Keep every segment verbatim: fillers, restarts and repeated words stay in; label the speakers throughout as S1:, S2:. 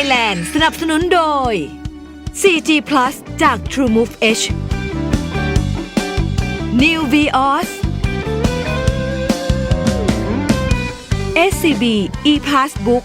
S1: Thailand สนับสนุนโดย โฟร์จี Plus จาก TrueMove H New Vios เอส ซี บี ePassbook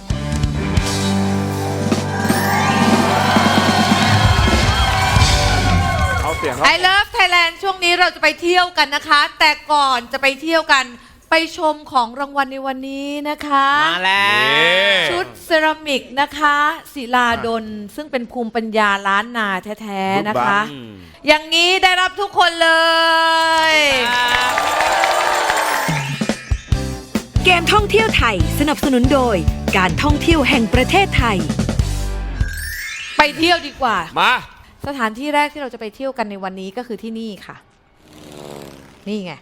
S2: I Love Thailand ช่วงนี้เราจะไปเที่ยวกันนะคะ แต่ก่อนจะไปเที่ยวกันไปชมของรางวัลในวันนี้นะคะ
S3: มาแล้ว
S2: ชุดเซรามิกนะคะศิลาดลซึ่งเป็นภูมิปัญญาล้านนาแท้ๆนะคะ อย่างนี้ได้รับทุกคนเลย
S1: เกมท่องเที่ยวไทยสนับสนุนโดยการท่องเที่ยวแห่งประเทศไทย
S2: ไปเที่ยวดีกว่า
S3: มา
S2: สถานที่แรกที่เราจะไปเที่ยวกันในวันนี้ก็คือที่นี่ค่ะนี่ไง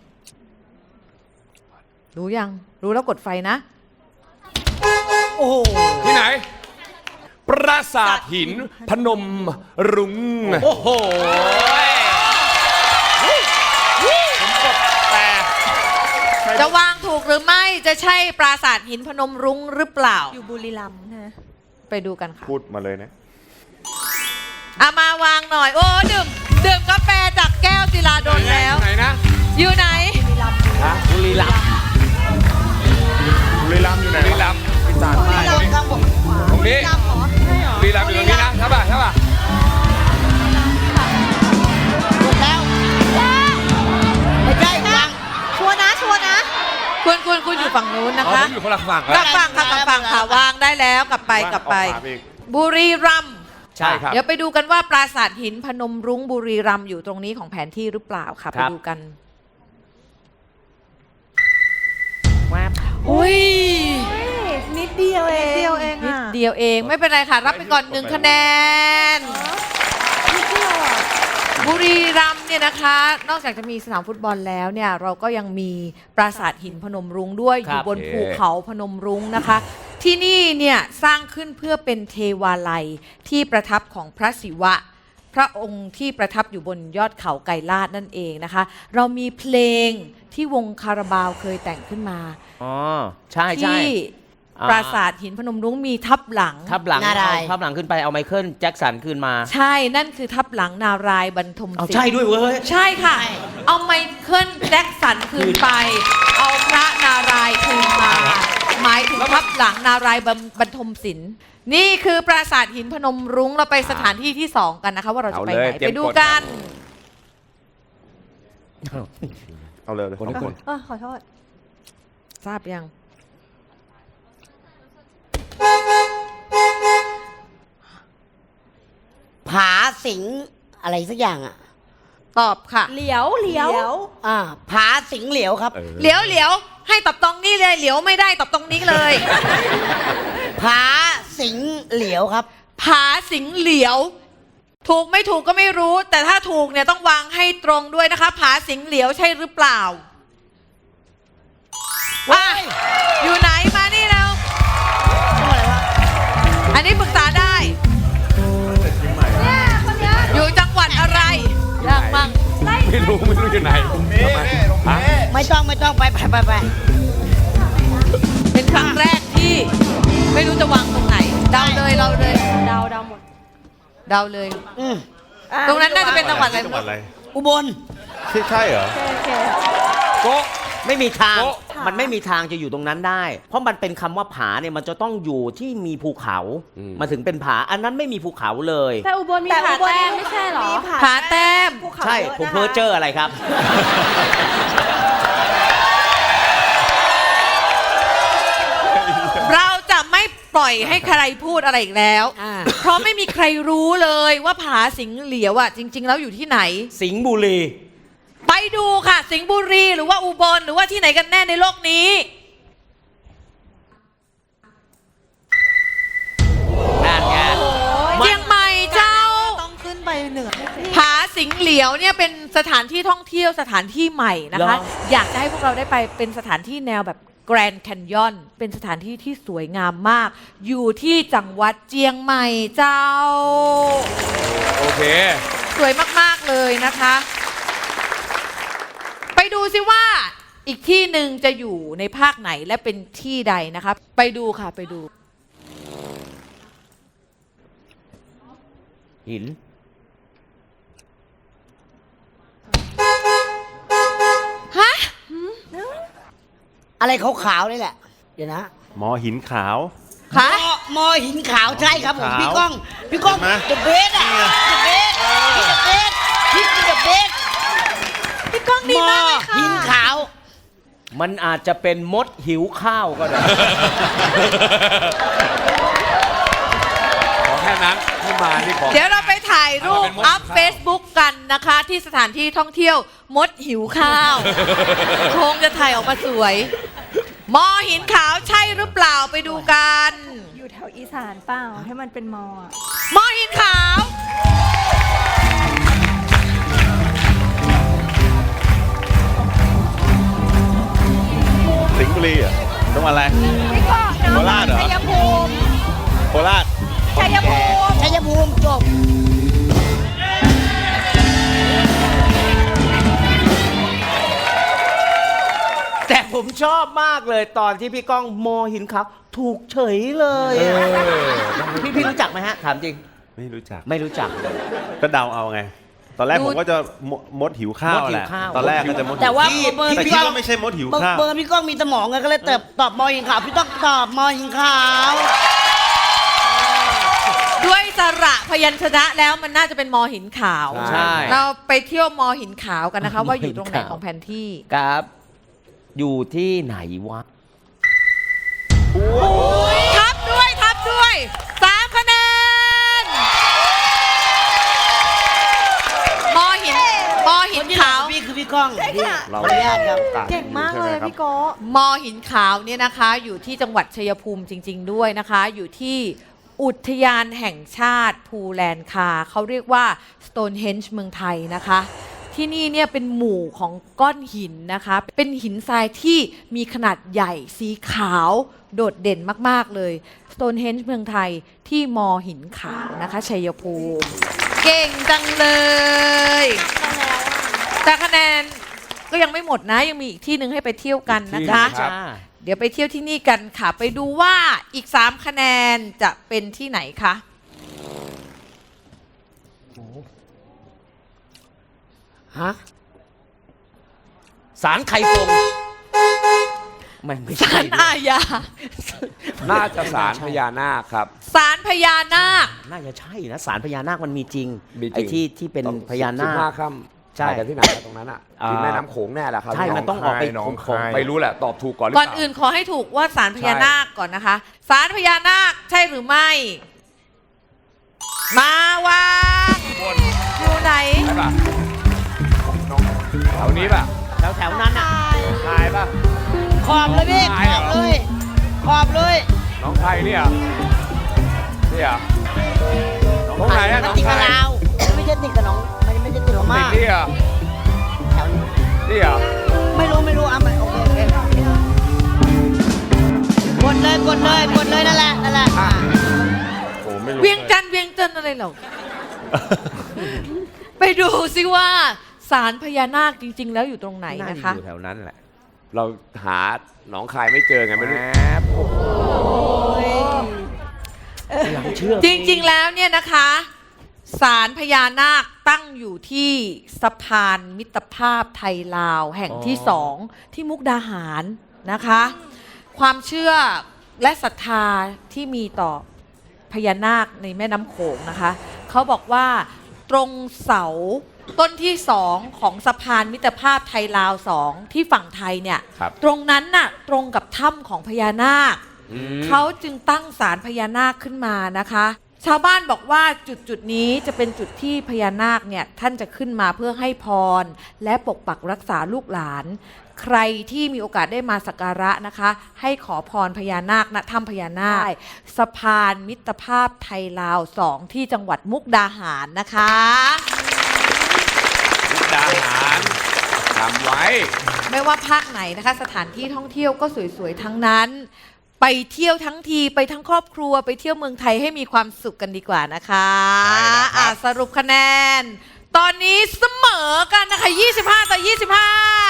S2: รู้ยังรู้แล้วกดไฟนะ
S3: โอ้โหที่ไหนปราสาทหินพนมรุ้งโอ้โหผมกดแต่
S2: จะวางถูกหรือไม่จะใช่ปราสาทหินพนมรุ้งหรือเปล่า
S4: อยู่บุรีรัมย์นะ
S2: ไปดูกันค่ะ
S3: พูดมาเลยนะ
S2: เอามาวางหน่อยโอ้ดื่มดื่มกาแฟจากแก้วศิลาดลแล้ว
S3: ไหนนะ
S2: อยู่ไหน
S3: บุรีรัมย์บุรีรัมย์อยู่ไหนบุรีรัมย์อีสานใต้ตรงนี้บุรีรัมย์อยู่ตรงนี้นะใช่ป่ะใช่ป่ะ
S4: ถูกแล้วไม่ใช่วางชัวร์นะชัวร์นะ
S2: คุณคุณคุณอยู่ฝั่งนู้นนะคะ
S3: อยู่คนละฝั่ง
S2: กลับฝั่งค่ะกลับฝั่งค่ะวางได้แล้วกลับไปกลับไปบุรีรัมย์
S3: ใช่ครับ
S2: เดี๋ยวไปดูกันว่าปราสาทหินพนมรุ้งบุรีรัมย์อยู่ตรงนี้ของแผนที่หรือเปล่าค่ะไปดูกันอุ้ย
S4: นิดเดียวเองนิดเดียวเอง
S2: นิดเดียวเองไม่เป็นไรค่ะรับไปก่อนหนึ่งคะแนนบุรีรัมย์เนี่ยนะคะนอกจากจะมีสนามฟุตบอลแล้วเนี่ยเราก็ยังมีปราสาทหินพนมรุ้งด้วยอยู่บนภูเขาพนมรุ้งนะคะที่นี่เนี่ยสร้างขึ้นเพื่อเป็นเทวาลัยที่ประทับของพระศิวะพระองค์ที่ประทับอยู่บนยอดเขาไกรลาดนั่นเองนะคะเรามีเพลงที่วงคาราบาวเคยแต่งขึ้นมา
S3: อ๋อใช่ใช่
S2: ที่ปราสาทหินพนมรุ้งมีทับหลัง
S3: ทับหลังเอาทับหลังขึ้นไปเอาไมเคิลแจ็คสันขึ้นมา
S2: ใช่นั่นคือทับหลังนารายณ์บรรทมศิลป์
S3: ใช่ด้วยเว้ย
S2: ใช่ค่ะเอาไมเคิลแจ็คสันคืนไปเอาพระนารายณ์คืนมาหมายถึงทับหลังนารายณ์บรรทมศิลป์นี่คือปราสาทหินพนมรุ้งเราไปสถานที่ที่สองกันนะคะว่าเราจะไปไหนไปดูกัน
S3: เอาเลยคนคน
S4: ขอโทษ
S2: ทราบยัง
S5: ผาสิงอะไรสักอย่างอ่ะ
S2: ตอบค่ะ
S4: เหลียวเหลียว
S5: อ่าผาสิงเหลียวครับ
S2: เหลียวเหลียวให้ตอบตรงนี้เลยเหลียวไม่ได้ตอบตรงนี้เลย
S5: ผาสิงเหลียวครับ
S2: ผาสิงเหลียวถูกไม่ถูกก็ไม่รู้แต่ถ้าถูกเนี่ยต้องวางให้ตรงด้วยนะคะผาสิงเหลียวใช่หรือเปล่าว่าอยู่ไหนมานี่เราอันนี้ปรึกษาได้อยู่จังหวัดอะไรยากมาก
S3: ไม่รู้ไม่รู้อยู่ไหน
S5: ไม่ต้องไม่ต้องไปไปไปไป
S2: เป็นครั้งแรกที่ไม่รู้จะวางตรงไหนเดาเลยเราเลย
S4: เดาเดาหมด
S2: เดาเลยตรงนั้นน่าจะเป็นจังหวัดอะไร
S5: อุบล
S3: ใช่เหรอ
S5: โกไม่มีทางมันไม่มีทางจะอยู่ตรงนั้นได้เพราะมันเป็นคำว่าผาเนี่ยมันจะต้องอยู่ที่มีภูเขามาถึงเป็นผาอันนั้นไม่มีภูเขาเลย
S4: แต่อุบลมีผาแต้มไม่ใช่หรอ
S2: ผาแต้ม
S5: ใช่ผมเพ้อเจ้ออะไรครับ
S2: เราจะไม่ปล่อยให้ใครพูดอะไรอีกแล้วเพราะไม่มีใครรู้เลยว่าผาสิงเหลียวอ่ะจริงๆแล้วอยู่ที่ไหน
S5: สิงห์บุรี
S2: ไปดูค่ะสิงห์บุรีหรือว่าอุบลหรือว่าที่ไหนกันแน่ในโลกนี้
S5: นั่นไง
S2: เชียงใหม่เจ้า
S4: ต้องขึ้นไปเหนือ
S2: ผาสิงห์เหลียวเนี่ยเป็นสถานที่ท่องเที่ยวสถานที่ใหม่นะคะอยากจะให้พวกเราได้ไปเป็นสถานที่แนวแบบแกรนด์แคนยอนเป็นสถานที่ที่สวยงามมากอยู่ที่จังหวัดเชียงใหม่เจ้า
S3: โอเค
S2: สวยมากๆเลยนะคะไปดูซิว่าอีกที่หนึ่งจะอยู่ในภาคไหนและเป็นที่ใดนะคะไปดูค่ะไปดู
S5: หิน
S2: ฮะ
S4: อะไรขาวๆนี่แหละ เดี๋ยวนะ
S6: หมอหินขาว
S2: คะ
S4: มอมอหินขาวใช่ครับผม
S6: ขาว
S4: พี่ก้อง พี่ก้อง
S6: เห็นไหม
S4: เดอะเบสอะเดอะเบสพี่เดอะเบสพี่เดอะเบส
S2: พี่ก้องดี
S4: มอ
S2: มากเลยค่ะ
S4: หินขาว
S5: มันอาจจะเป็นมดหิวข้าวก็ได้
S3: ขอแค่นั้นที่มานี่ขอ
S2: เดี๋ยวเราไปถ่ายรูป
S3: เป็นมดหิว
S2: อัพ
S3: ข้าว
S2: Facebook กันนะคะ ที่สถานที่ท่องเที่ยวมดหิวข้าว คงจะถ่ายออกมาสวย มอหินขาวใช่หรือเปล่าไปดูกัน
S7: อยู่แถวอีสานเปล่าให้มันเป็นมออะ
S2: มอหินขาว
S6: สิงห์บุรีเหรอ่ะต้องอะไร
S7: พี่ก็น้อง
S6: โคราชเหรอ
S7: ชัยภูมิ
S6: โคราช
S7: ชัยภูมิ
S4: ชัยภูมิจบ
S5: แต่ผมชอบมากเลยตอนที่พี่ก้องมอหินขาวถูกเฉยเลยอะพี่พี่รู้จักไหมฮะ ถามจริง
S6: ไม่รู้จัก
S5: ไม่รู้จัก
S6: ก็เดาเอาไง ตอนแรก
S2: ดู
S6: ผมก็จะมมดหิวข้าว
S5: มดหิว
S6: แหละ
S5: ข้าว
S6: ตอนแรกก็จะมดหิว
S4: แต่ว่า
S5: พี่
S4: เบอร์
S6: แต่
S4: พี่
S6: คิด
S4: ก้อง
S6: ว่าไม่ใช่มดหิว
S4: เบอร์
S6: ข้าว
S4: เบอร์พี่ก้องมีสมองไงก็เลยตอบตอบมอหินขาวพี่ต้องตอบมอหินขาว
S2: ด้วยสระพยัญชนะแล้วมันน่าจะเป็นมอหินขาว
S5: ใช่
S2: เราไปเที่ยวมอหินขาวกันนะคะ ว่าอยู่ตรงไหนของแผนที่
S5: ครับ อยู่ที่ไหนวะ
S2: ทับด้วยทับด้วยสามคะแนนมอหินมอหินขาว
S4: พี่คือพี่ก้อง
S7: ใช่ค่ะ
S4: ขออนุญาตครับ
S7: เก่งมากเลยพี่โกะ
S2: มอหินขาวเนี่ยนะคะ อยู่ที่จังหวัดชัยภูมิจริง ๆ ด้วยนะคะ อยู่ที่อุทยานแห่งชาติภูแลนคาเขาเรียกว่า Stonehenge เมืองไทยนะคะ ที่นี่เนี่ยเป็นหมู่ของก้อนหินนะคะ เป็นหินทรายที่มีขนาดใหญ่สีขาวโดดเด่นมาก ๆ เลย Stonehenge เมืองไทยที่มอหินขาวนะคะชัยภูมิ เก่งจังเลยแต่คะแนนก็ยังไม่หมดนะ ยังมีอีกที่หนึ่งให้ไปเที่ยวกันนะคะ
S5: จ้า
S2: เดี๋ยวไปเที่ยวที่นี่กันค่ะ ไปดูว่าอีกสามคะแนนจะเป็นที่ไหนคะ
S4: ฮะ
S5: สารไข่ฟงไม่ไม่
S2: ศา
S5: ใช่
S2: ลอาญา
S3: น่าจะสารพญานาคครับ
S2: ศาลพญานาค
S5: น่าจะใช่นะสารพญานาคมันมีจริง
S3: มีจริง
S5: ไอ้ที่ที่เป็น
S3: ต้อง
S5: พญานา
S3: สิบห้า
S5: ค
S3: ค่ำ
S5: ใช่
S3: ถ่ายกันที่ไหนอะตรงนั้นอ่ะ
S5: อ่า
S3: ที่แม่น้ำโขงแน่แหละครับ
S5: ใช่มันต้องออกไป
S3: หนอง
S5: โข
S3: คาง ยไม่รู้แหละ ตอบถูกก่อนหรือ
S2: ก่อน
S3: เปล่า
S2: อื่นขอให้ถูกว่าศาลพญานาคก่อนนะคะศาลพญานาคใช่หรือไม่ มาวางอยู่ไหน
S3: ใช่ป่ะน้องแถวนี้ป่ะ
S5: แถวแถวๆนั้นอ่ะ
S3: ทายป่ะ
S4: ขอบเลยพี่
S3: น้อง
S4: ข
S3: ชายเหร
S4: อ
S3: อ
S4: บเลย ขอบเลย
S3: น้องไทยเนี่ยเนี่ยน้องไทยอะ
S4: มั
S3: น้
S4: น
S3: อง
S4: ติด
S3: ไท
S4: กับ
S3: ย
S4: เราไม่ใช่ติดกับน้องมันไม่ใช่ติดกับ
S3: ติ
S4: มา
S3: ดนี่เหรอ
S4: แถวนี้
S3: นี่เหรอ
S4: ไม่รู้ไม่รู้อ่ะมันโอเคโอเคกดเลยกดเลยกดเลยนั่นแหละนั่นแหละอ่ะ
S6: โอ้ไม่รู้
S2: เวียงจันทร์เวียงจันทร์อะไรเหรอ ไปดูซิว่าศาลพญานาคจริง ๆ แล้วอยู่ตรงไหน
S5: น่า
S2: นะ
S5: จะ
S2: คะ
S5: อยู่แถวนั้นแหละ
S3: เราหาหนองคายไม่เจอไงไม่รู้
S5: หลังเชื่อ
S2: จริง ๆ แล้วเนี่ยนะคะศาลพญานาคตั้งอยู่ที่สะพานมิตรภาพไทยลาวแห่งที่สองที่มุกดาหารนะคะ ความเชื่อและศรัทธาที่มีต่อพญานาคในแม่น้ำโขงนะคะเขาบอกว่าตรงเสาต้นที่สองของสะพานมิตรภาพไทยลาวสองที่ฝั่งไทยเนี่ย
S3: ครับ
S2: ตรงนั้นน่ะตรงกับถ้ำของพญานาค เขาจึงตั้งศาลพญานาคขึ้นมานะคะ ชาวบ้านบอกว่าจุดจุดนี้จะเป็นจุดที่พญานาคเนี่ยท่านจะขึ้นมาเพื่อให้พร และปกปักรักษาลูกหลาน ใครที่มีโอกาสได้มาสักการะนะคะ ให้ขอพรพญานาคณถ้ำพญานาคสะพานมิตรภาพไทยลาวสองที่จังหวัดมุกดาหารนะคะ
S3: มุกดาหารจำไว้
S2: ไม่ว่าภาคไหนนะคะ สถานที่ท่องเที่ยวก็สวยๆทั้งนั้น ไปเที่ยวทั้งทีไปทั้งครอบครัวไปเที่ยวเมืองไทยให้มีความสุขกันดีกว่านะคะ
S3: ใช่แล้วครับ
S2: อ่ะสรุปคะแนน ตอนนี้เสมอกันนะคะ ยี่สิบห้า ต่อ ยี่สิบห้า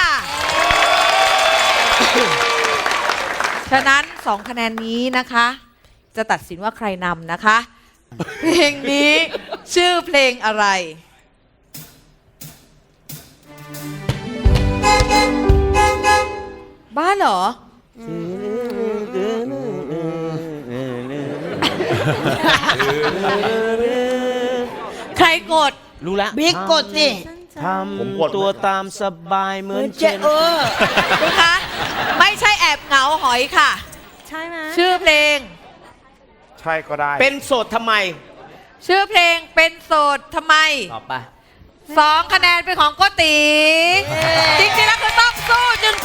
S2: ฉะนั้นสองคะแนนนี้นะคะ จะตัดสินว่าใครนำนะคะ เพลงนี้ชื่อเพลงอะไร บ้าเหรอ ใครกด
S5: รู้ละ
S4: บิ๊กกดสิ
S5: ทำตัวตามสบายเหมือน
S4: เจ
S5: เช่น
S4: เออ
S2: คุณคะ ไม่ใช่แอบเหงาหอยค่ะ
S7: ใช่ไหม
S2: ชื่อเพลง
S6: ใช่ก็ได้
S5: เป็นโสดทำไม
S2: ชื่อเพลงเป็นโสดทำไม
S5: ตอบไป
S2: สองคะแนนเป็นของโกติ จริงๆแล้วคือต้องสู้จึง